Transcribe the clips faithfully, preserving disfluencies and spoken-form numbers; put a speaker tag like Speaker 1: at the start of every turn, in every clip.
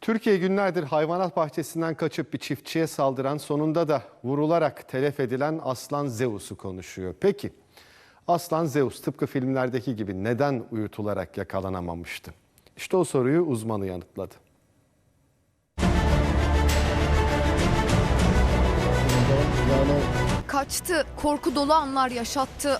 Speaker 1: Türkiye günlerdir hayvanat bahçesinden kaçıp bir çiftçiye saldıran, sonunda da vurularak telef edilen Aslan Zeus'u konuşuyor. Peki Aslan Zeus tıpkı filmlerdeki gibi neden uyutularak yakalanamamıştı? İşte o soruyu uzmanı yanıtladı.
Speaker 2: Kaçtı, korku dolu anlar yaşattı.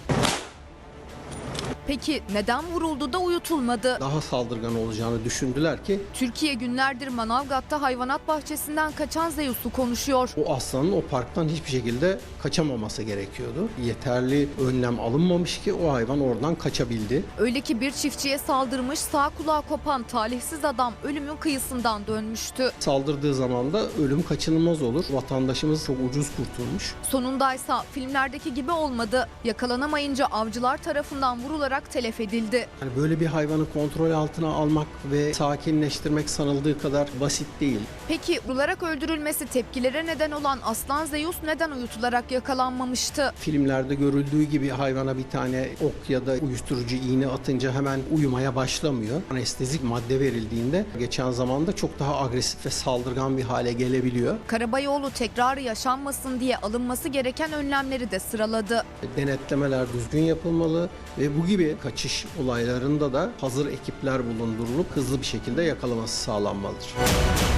Speaker 2: Peki neden vuruldu da uyutulmadı?
Speaker 3: Daha saldırgan olacağını düşündüler ki
Speaker 2: Türkiye günlerdir Manavgat'ta hayvanat bahçesinden kaçan Zeus'u konuşuyor.
Speaker 3: o aslanın o parktan hiçbir şekilde kaçamaması gerekiyordu. Yeterli önlem alınmamış ki o hayvan oradan kaçabildi.
Speaker 2: Öyle ki bir çiftçiye saldırmış, sağ kulağı kopan talihsiz adam ölümün kıyısından dönmüştü.
Speaker 3: Saldırdığı zaman da ölüm kaçınılmaz olur. Vatandaşımız çok ucuz kurtulmuş.
Speaker 2: Sonundaysa filmlerdeki gibi olmadı. Yakalanamayınca avcılar tarafından vurularak telef edildi.
Speaker 3: Yani böyle bir hayvanı kontrol altına almak ve sakinleştirmek sanıldığı kadar basit değil.
Speaker 2: Peki vurularak öldürülmesi tepkilere neden olan Aslan Zeus neden uyutularak yakalanmamıştı?
Speaker 3: Filmlerde görüldüğü gibi hayvana bir tane ok ya da uyuşturucu iğne atınca hemen uyumaya başlamıyor. Anestezik madde verildiğinde geçen zamanda çok daha agresif ve saldırgan bir hale gelebiliyor.
Speaker 2: Karabayoğlu tekrarı yaşanmasın diye alınması gereken önlemleri de sıraladı.
Speaker 3: Denetlemeler düzgün yapılmalı ve bu gibi kaçış olaylarında da hazır ekipler bulundurulup hızlı bir şekilde yakalaması sağlanmalıdır.